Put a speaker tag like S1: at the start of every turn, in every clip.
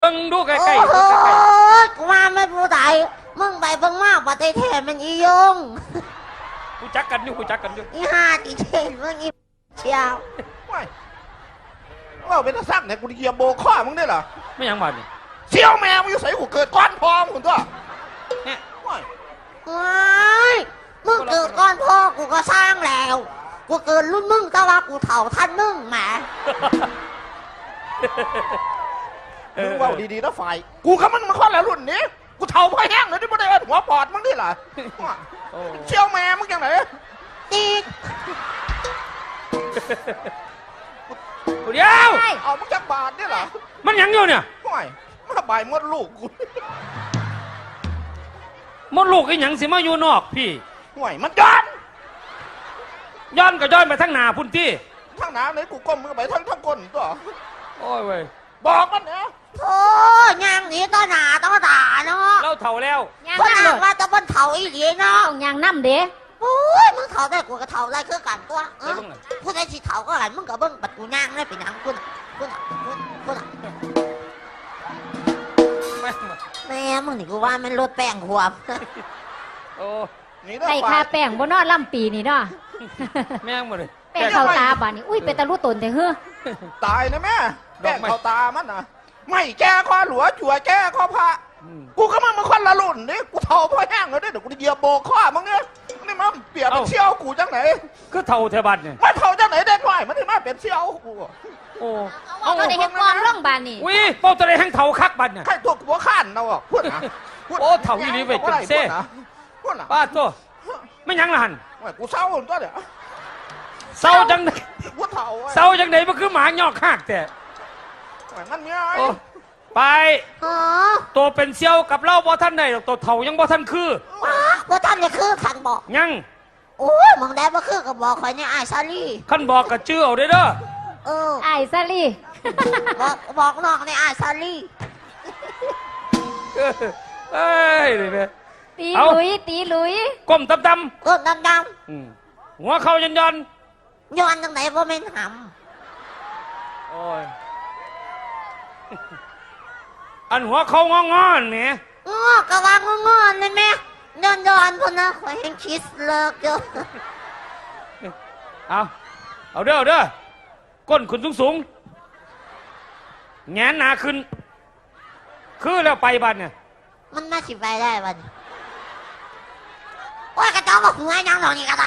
S1: บิ่งดูใกล้ๆ
S2: โอ้กูว่าไม่ผู้ใดมึงไปเบิ่งมากประเทศแทนมันอียง
S1: กูจักกันอยู่
S2: อีห่าตีเทนมึงอีเชียว
S3: ว้ายว่าเป็นตาซักเนี่ยกูเหยียบโบข้อมึงได้เหรอ
S1: ไม่ยังบาดนี่
S3: เชี่ยวแมวมึงอยู่ใส่กูเกิดก้อนพองคุณตัวเนี่ยว้าย
S2: ว้ายมึงเกิดก้อนพ่อกูก็สร้างแล้วกูเกิดรุ่นมึงแต่ว่ากูเถ่าท่านมึงแหม
S3: มึงว่าดีๆนะฝ่ายกูกับมึงมาข้อแล้วรุ่นนี้กูเท่าพ่อแห้งเลยที่ไม่ได้เอิ้นหัวปอดมึงนี่เหรอว้าย
S1: โอ้
S3: เชี่ยวแมวมึงยังไง
S2: ตีด
S1: เดี๋ยว
S3: เอามึงจักบาทนี่เหรอ
S1: มันยังอยู่เนี่ย
S3: ว้ายมาบ่ายมดลูกกู
S1: มดลูกไอ้หยังสิมาอยู่นอกพี่
S3: ว้ายมันย้อน
S1: ย้อนก็ย้อนไปทั้งหน้าพุ่นที่
S3: ทั้งน้ำเลยกูก้มมือไปทั้งก้นตัว
S1: โอ้ยเว้ย
S3: บอกมันเนี่ย
S2: โอ้ยางหนีต้อหนาต้อตาเนาะ
S1: เราเฒ่าแล้ว
S4: ยาง
S2: คน
S4: น้ำ
S2: ห
S4: เล
S2: นัก
S4: ย
S2: ว่าจะบนเถ่าอีหลีเนาะ
S4: ต้องยางน้ำเด้
S2: โอ้ยมึงเถ่าได้กูก็เถ่าได้คือกันตัวผู้ใดสิเถ่าก็หันมึงกับเบิ้งบัดกูย่างได้เป็นหยังคุณแม่มึงนี่กูว่ามันลดแป้งหัว
S1: โอ้
S3: นี่ได้
S4: ใส่
S3: ฝ่า
S4: คาย แป้งบนนอดล่ำปีนี่เนาะ
S1: แม่งหมดเลย
S4: แป้งเข้าตาบานนี่อุ้ยเป็นตะลุตนแต่เฮ้อ
S3: ตายนะแม่แก้เขาตามันนะไม่แก้ข้อหลัวจั่วแก้ข้อพระกูก็มึงมาคนละรุ่นนี่กูเท่าพ่อแห้งเลยเดี๋ยวกูจะเหยียบโบข้อมึงเนี่ยนี่มันเปรียบเป็นเชี่ยวกูจังไหน
S1: คือเฒ่าเทบัดเนี่ย
S3: มาเท่าจังไหนเด็กหน่อยมันถึงมาเป็นเชี่ยวกู
S1: โอ้
S4: เอาเราได้เห็นกองร่องบานนี่
S1: วิเป้าตะเลยแห้งเฒ่าคักบัดเนี่ย
S3: ใครตัวหัวข้านเราอ่ะพูดนะ
S1: โอ้เท่าอีหลีเว้ยจนเซ่
S3: พูดนะ
S1: ป้าตัวไม่ยังละหัน
S3: กูเศร้าตัวเดี๋ยว
S1: เศร้าจังไหน
S3: กูเท่า
S1: เศร้าจังไหนมันคือหมายอกหักแต่
S3: มันเนี่ย
S1: โอ้ไป
S2: อ๋อ
S1: ตัวเป็นเซี่ยวกับเล่าบ่ท่านได้หรอกตัวเฒ่ายังบ่ท่านคือ
S2: ว่าท่านจะคือขันบอก
S1: ยัง
S2: โอ้ยมึงได้บ่คือกับบอกคอยเนี่ยไอ้ซาลี่
S1: ขั้นบอกกับชื่อเอาได้เด้อ
S2: เออ
S4: ไอ้ซาลี่
S2: บอกน้องเนี่ยไอ้ซาลี่
S1: เอ้ยนี่แม่
S4: ตีหลุยตีหลุย
S1: ก้มตำ
S2: ก็ดำ
S1: ๆหัวเข่ายันยัน
S2: ๆย้อนจังไหนว่าไม่นห
S1: โอ้ยอันหัวเข่างอนๆเนี่ย
S2: ำง้อกะวางงอนเลยแม่ย้อนพนนะคอยเห็นคิสเลิกเยอะ
S1: เอาเด้อก้นขึ้นสูงๆแงนหนาขึ้นคือแล้วไปบัดเนี่ย
S2: มันน่าสิไปได้บัดโอ้ยกระเจ้าบอกหัวยังหนองนี่กระได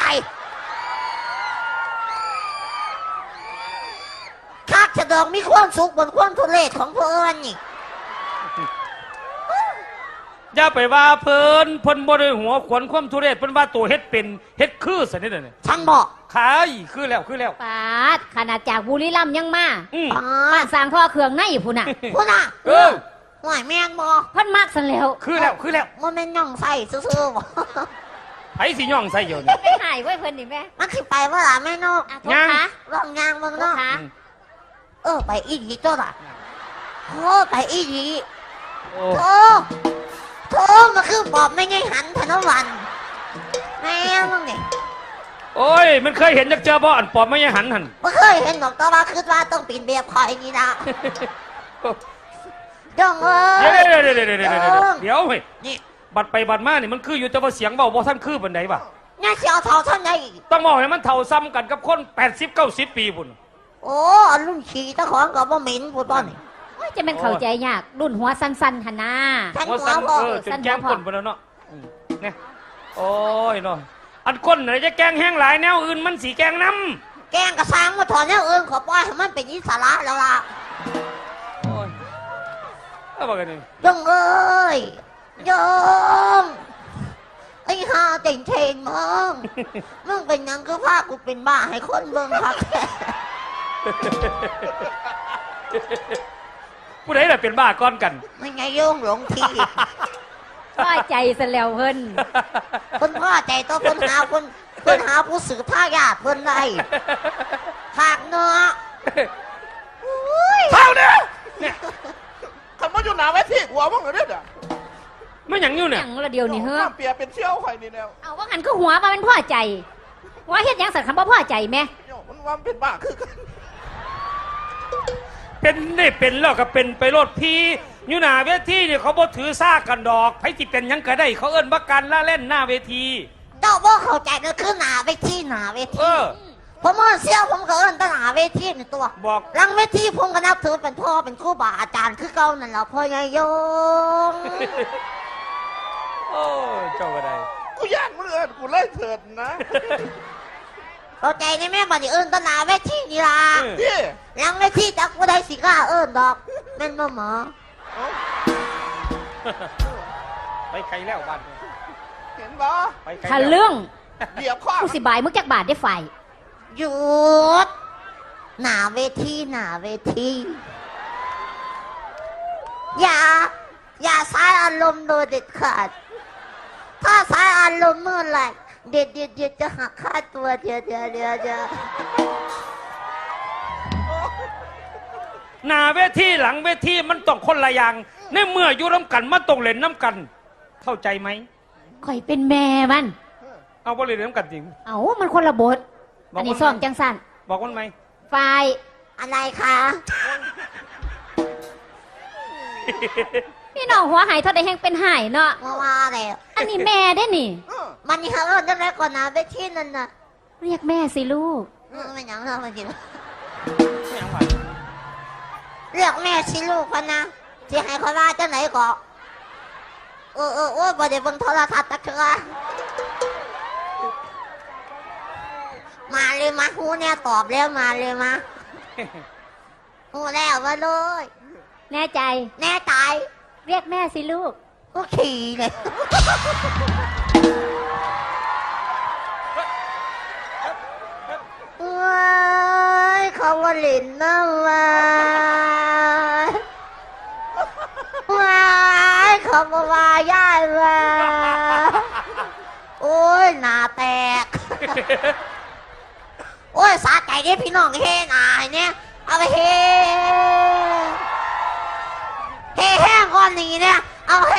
S2: คักจะดองมีความสุขบนความทุเรศของพวกเอิญนี่
S1: อย่าไปว่าเพิ่นบ่ได้หัวขวนความทุเรศเพิ่นว่าตัวเฮ็ดเป็นเฮ็ดคือซะนี่เด้อเนี่ย
S2: ฉันบอก
S1: ขายคือแล้ว
S4: ปาดขนาดจากบุรีรัมย์ยังมา
S1: อืม
S4: บ้านสร้างท่อเครื่องในพุ่นน่ะ
S2: พูดนะ
S1: เออ
S2: ห่วยแม่นบอ
S4: เพิ่นมากสันแล้ว
S1: คือแล้ว
S2: มันเป็นย่องใส่ซื่อๆบอก
S1: ไผสิย่องใส่อยู่นี่
S4: ไม่หายไว้เพิ่นนี่แม่
S2: มันสิไปว่าล่ะแม่นก
S4: อ่ะโท
S1: ยั
S4: ษ
S1: ง
S4: คะ
S2: ลองยางเมือง
S4: โท
S2: น
S4: ษ
S2: อก
S4: คะ
S2: ไปอีกตัวล่ะโอ้ไปอีก
S1: โอ้
S2: โธ่มาคือบอกไม่ไงหันธนวันแม่มึงนี่
S1: โอ้ยมันเคยเห็นจักเจอบ่อันปอบไม่ยังหันหั่น
S2: ไม่เคยเห็นหรอกแต่ว่าคิดว่าต้องปีนเบียบคอยนี่นะดองเอ้
S1: เดี๋ยวเฮ้ย
S2: นี่
S1: บัดไปบัดมานี่มันคืออยู่แต่ว่าเสียงเบาบ่ท่านคือปานใดวะ
S2: น่าเสียวเท่าท่านใด
S1: ต้องบอกให้มันเท่าซ้ำกันกับคน80-90 ปีพุ่น
S2: โอ้รุ่นขี่ตะของกับบ่เหม็นพูดป้อนนี่
S4: โอ้ยจะเป็นเข้าใจยากรุ่นหัวสั้นๆหั่นน่ะ
S2: ฉัน
S1: ว่า
S2: หัว
S1: ซ้ำ
S2: พ่อ
S1: จนแกงคนไปแล้วเนาะเนี่ยโอ้ยเนาะอันคนไหนจะแกงแห้งหลายแนวอื่นมันสีแกงน้
S2: แกงกระซังมาถอนเนี่ยขอปล่อยให้มันเป็นอิสระแล้วล่ะ
S1: ำโอ้ยเอาบอกกันนี่
S2: ดองเอ้ยยงไอ้ห่าเต่งเทนมึงเป็นยังก็พากูเป็นบ้าให้คนเบิ่งพักแค่
S1: ผู้ใดล่ะเป็นบ้าก้อนกัน
S2: ไม่ไงโยงหลงที
S4: ว่าใจสันแล้วเพิ่น
S2: คนพ่อใจตัวคนหาผู้สืบท่ายาทเพิ่นได้หากเนาะ
S3: เท่าเนี่ยคำว่าอยู่หนาไว้ที่หัวมึงเหรอเนี่ย
S1: ไม่หยังอยู่
S4: อ
S1: เนี่ย
S4: ย่างละเดียวนี่เฮ้อ
S3: เปียเป็นเชี่ยวไข่นี่แล้ว
S4: เอาว่างันก็หัวมาเป็นพ่อใจว่าเฮ็ดหยังสัตว์คำว่าพ่อใจแม่
S3: มันว่าเป็นบ้าคือ
S1: เป็นนี่เป็นแล้วก็เป็นไปโลดพี่อยู่หน้าเวทีเนี่ยเขาบ่ถือซ่ากันดอกไผสิเป็นหยังก็ได้ เขาเอิ้นว่าการละเล่นหน้าเวที
S2: เจ้าบ่เข้าใจก็คือหนาเวทีหนาเว
S1: เอ
S2: ที
S1: อ
S2: ผมเอิ้นเสี่ยวผมก็เอิ้นแตหนาเวทีนี่ตัว
S1: บอก
S2: หลังเวทีผมก็นับถือเป็นพ่อเป็นครูบาอาจารย์คือเก่านั่นแหละพ่อใหญ่ยง
S1: โอ้เจ้าก็ได้
S3: กูย่านมึงเอิญกูเลยเถิดนะ
S2: เข้าใจในแม่บัดนี้เอิ้นแตหนาเวทีนี่ล่ะ
S3: พี่
S2: หลังเวทีจักบ่ได้สิกล้าเอิ้นดอกแม่นบ่หมอ
S1: ไปไกลแล้วบ้าน
S3: เห็นบ่
S1: ไปไกล
S4: ทะ
S1: แล้ว
S4: ลึ่ง
S3: เบียบข้อ
S4: กูสิบายมึงจักบาทได้ไฟ
S2: หยุดหนาเวทีหนาเวทีอย่าใช้อารมณ์โดยเด็ดขาด ถ้าใช้อารมณ์เมื่อไหร่เด็ดจะหักค่าตัวเดี๋ยว
S1: หน้าเวทีหลังเวทีมันต้องคนละอย่างในเมื่ออยู่น้ำกันมันต้องเล่นน้ำกัน เข้าใจไหม
S4: ข่อยเป็นแม่มัน
S1: เอาบ่เล่นน้ำกันจริง
S4: เอ้ามันคนละบท
S1: บอกว่า
S4: อันนี้ซ่อมจังสัน
S1: บอกมันไหม
S4: ไฟ
S2: อะไรคะ
S4: พี่น้องหัวหายเท่าใดแห่งเป็นหายเนาะ
S2: มาว่าแล้ว
S4: อันนี้แม่ได้นี่
S2: มันนี่เขาเอิ้นจังไดก่อนหนาเวทีนั่นน่ะ
S4: เรียกแม่สิลูก
S2: ไม่หยังเราไม่กิน
S1: ไม่เอาไหว
S2: เรียกแม่สิลูกพะนะสิให้เขาว่าจังไหนก็โอ้บ่ได้เบิ่งโทรทัศน์ตะเทื่อมาเลยมาฮู้เนี่ยตอบแล้วมาเลยมาฮู้แล้วมาเลย
S4: แน่ใจ
S2: แน่ใจ
S4: เรียกแม่สิลูก
S2: ก็ขี่เลยว้ายเขาว่าหลินนะว้ายเขาว่าย่ายว่าโอ้ยหน้าแตก โอ้ยสาใจเด้พี่น้องเฮหนาเนี่ยเอาไปเฮแห้งก่อนนี้เนี่ยเอาเฮ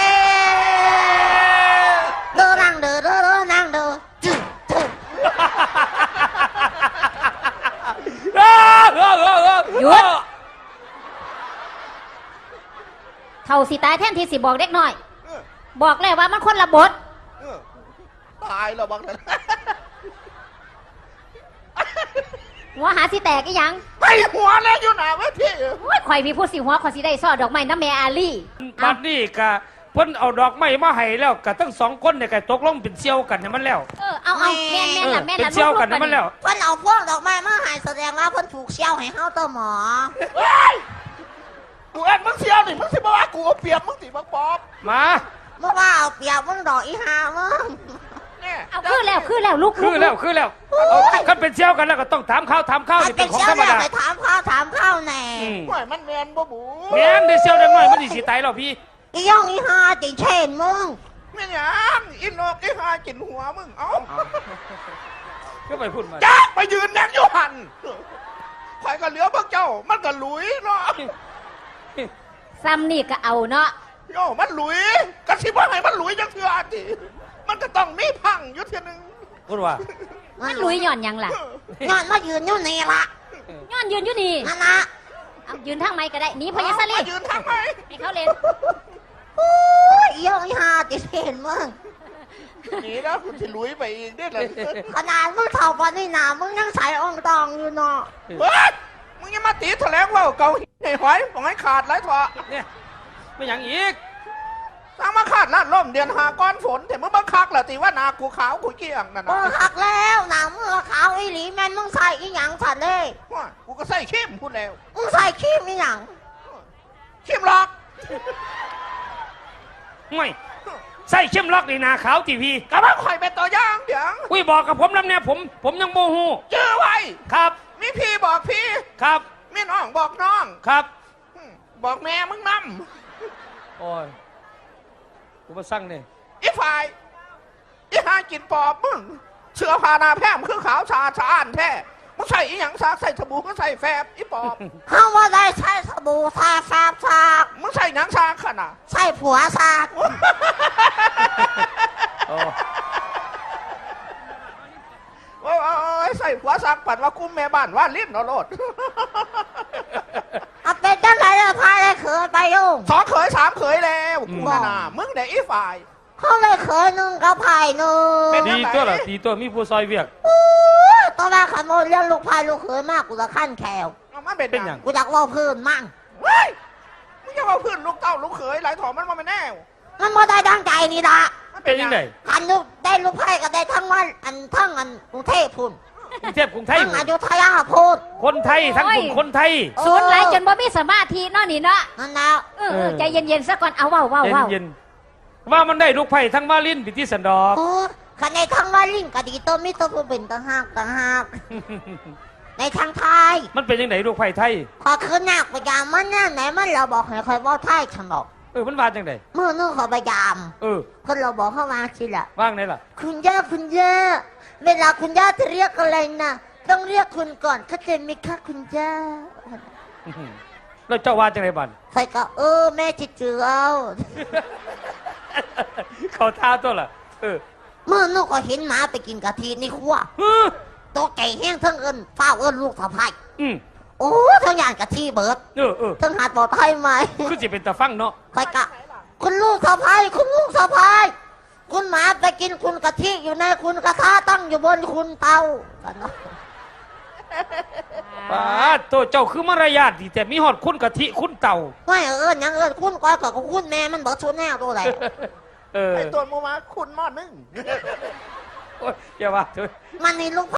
S2: เดินนั่งเดินนั่งเดินจึ๊ด
S4: หยุด เท่าสิตายแทนที่สิบอกเด็กน้อย บอกแล้วว่ามันคนละบท
S3: ตายแล้วบางนั้น
S4: หัวหาสิแตกอีหยัง
S3: ไปหัวแล้วอยู่หนาเวที
S4: โอ้ยข่อยมีผู้สิหัวข่อยสิได้ซ่อดอกไม้น้ำแม่อาลี่
S1: บัดนี้กะเพิ่นเอาดอกไม้มาให้แล้วกะทั้งสองคนเนี่ยกะตกลงเป็นเซี่ยวกันให้มันแล้ว
S4: เอาแม่นล่ะแม่น
S1: เป็น
S4: ล่ะ
S1: เซี่ยวกันให้มันแล้ว
S2: เพิ่นเอาพวกดอกไม้มาให้แสดงว่าเพิ่นถูกเชี่ยวให้เฮาตัวหมอ
S3: กูเอ็นมึงเสียวนี่มึงสิบอกว่ากูเอาเปรียบมึงสิบักปอบ
S1: มา
S2: เมื่อว่าเอาเปรียบมึงดอกอีหามึง
S3: เนี่ย
S4: เอาคือแล้วลูก
S1: คือแล้วเอาคันเป็นเซี่ยวกันแล้วก็ต้องถามข้าว
S2: ถ้า
S1: นี่
S2: เป็
S1: เป็น นของ
S2: เชี่ยว
S1: ธรรม
S2: เนี่ย
S1: ดา
S2: ไปถามข้าวแน่
S3: ห่วยมันแมนบ่บู
S1: แม่นได้เซี่ยวได้น้อยมันสิตายแล้วพี่
S2: อีย่องอีหาติเช่นมึง
S3: ไม่หยังอินโนกอีหากินหัวมึงเอ้า
S1: ก็ไปพูดมา
S3: จ้าไปยืนนั่งอยู่หันข่อยก็เหลือพวกเจ้ามันก็หลุยเนาะ
S4: ซ้ำนี่ก็เอาเนาะ
S3: โย่มันหลุยกระชิบว่าไงมันหลุยจังเถื่อทีมันก็ต้องมีพังอยู่เทียหนึง
S1: พูดว่า
S4: มันลุยหย่อนหยังล่ะ
S2: งอนมายืนอยู่นี่ละ
S4: ย้อนยืนอยู่นี่
S2: นั่นละ
S4: เอายืนทางไม้ก็ได้หนีพญาสลี
S3: มายืนทำไม
S4: ให้เขาเล่น
S2: โอ้ยอีย่องอีหาติเช่นมึง
S3: หนีแล้วคุณสิหลุยไปอีกได้เลย
S2: ขนาดมึงเท่าปานนี่นามึงยังใส่อ่องตองอยู่เนาะ
S3: เฮ้ยมึงยังมาตีแถลงว่าเกาให้หอยบอกให้ขาดไรเถอะ
S1: เนี่ยไม่อย่างอีก
S3: สร้างมาขาดลาดล่มเดือนหาก้อนฝนแต่มึงบังคักเหรอตีว่านากูขาวกูเกี้ยงนั่น
S2: เอ
S3: นะ
S2: อหักแล้วหนังมึงขาวอีหลีแม่นมึงใส่อีหยังสัตว์เลย
S3: ว่ากูก็ใส่เข้มพูดแล้ว
S2: มึงใส่ครีมอีหยัง
S3: เข้มหรอก
S1: ไม่ใส่เข้มล็อกนี่นาขาวทีพี
S3: กะว่าข่อยเป็นตัวอย่างเดี๋ยว
S1: อุ้ยบอกกับผมน้ำเนี่ยผมยังโมโห
S3: เจอไว้
S1: ครับ
S3: มีพี่บอกพี่
S1: ครับ
S3: มีน้องบอกน้อง
S1: ครับ
S3: บอกแม่มึงน
S1: โอ้ยกูมาสั่งเนี่ย
S3: ำอีฝ่ายอีหากินปอบมึงเสื้อผ้าหนาแพร่มคือขาวสะอาดสะอ้านแท้มึงใส่อีหยังซากใส่สบู่ก็ใส่แฟบอีปอบ
S2: เฮาว่าได้ใช้สบู่ทาแฟบซาก
S3: มึงใส่หนังซากขนาด
S2: ใส่ผัวซาก
S1: โอ้
S3: โอ้ยใส่หัวซักปัดว่ากุ้มแม่บ้านว่าลิ้นเอาโลด
S2: เอาเป็นจังไรเลยพาได้เขินไปโยง
S3: 2 เขย 3 เขยแล้วกูน่ะมึงไหนอีฝ่าย
S2: เขาเลยเคยนึงกับไผ่นึง
S1: ดีตัวล่ะดีตัวมีผู้ซอยเวียก
S2: ตอนแรกขโมยเลี้ยงลูกไผ่ลูกเขยมากกูจะขั้นแขว
S3: เอามันเป็น
S1: เป็น
S3: ห
S1: ห
S3: ยั
S1: ยัง ง
S2: กูอยากเว่าพื้นมั่ง
S3: เฮ้ยมึงจะมาพื้นลูกเต้าลูกเขยหลายถอมันมาไม่แน่
S2: มันไม่ได้ดังใจนี่ละ
S3: มัน
S1: เป็นยังไง
S2: กันลูกได้ลูกไผ่ก็ได้ทั้งวันทั้งกรุงเทพพุ่น
S1: กรุงเทพกรุงไทย
S2: ทั้งอยุธยาพุ่น
S1: คนไทยทั้งกลุ่มคนไทย
S4: ศูนย์ไหลจนบ่มีสมาธิเนาะนี่เนาะ
S2: นั่นนะ
S4: ใจเย็นๆซะก่อนเอาเว้า
S1: เย็นๆว่ามันได้ลูกไผ่ทั้งมาลินพิธีสันดอก
S2: โอ้ขันในทั้งว่าลิงก็ดีตัวมิตัวผู้เป็นต่างหากในทางไทย
S1: มันเป็นยังไงลูกไผ่ไทย
S2: พอขึ้นหนักพยายามมันแน่ไหนมันเราบอกให้คอยว่าไทยฉนอก
S1: มันว่าจังได
S2: เมื่อนึกเขาพยายาม คนเราบอกเข้ามาสิละ
S1: ว่างไหนล่ะ
S2: คุณย่าเวลาคุณย่าจะเรียกอะไรนะต้องเรียกคุณก่อนเข้าใจไหมคะคุณย่า
S1: แล้วเจ้าว่าจังไดบัน
S2: ใครก็แม่จะเจือเอา
S1: เขาท้าตัวล่ะ
S2: เมื่อนึกก็เห็นหมาไปกินกะทิในครัวตัวไก่แห้งทั้งเฝ้าลูกสะพ้ายโอ้ทั้งอย่างกะทิเบิดทั้งหาดปลอดภัยไหม
S1: คือสิเป็นตาฟังเนาะ
S2: ใครก็คุณลูกสะพ้ายคุณลูกสะพ้ายคุณหมาไปกินคุณกะทิอยู่ในคุณกระทะตั้งอยู่บนคุณเตา
S1: ป้าตัวเจ้าคือมารยาทดีแต่มีหอดคุณกะทิคุณเต่า
S2: ไม่ยังคุณก้อยกับคุณแม่มันบอกชุดแน่ตัวไหน
S3: ไอ้ตัวมูมาคุณมอดนึง
S1: โอ้ยอย่าว่าเถอะ
S2: มันนี่ลูก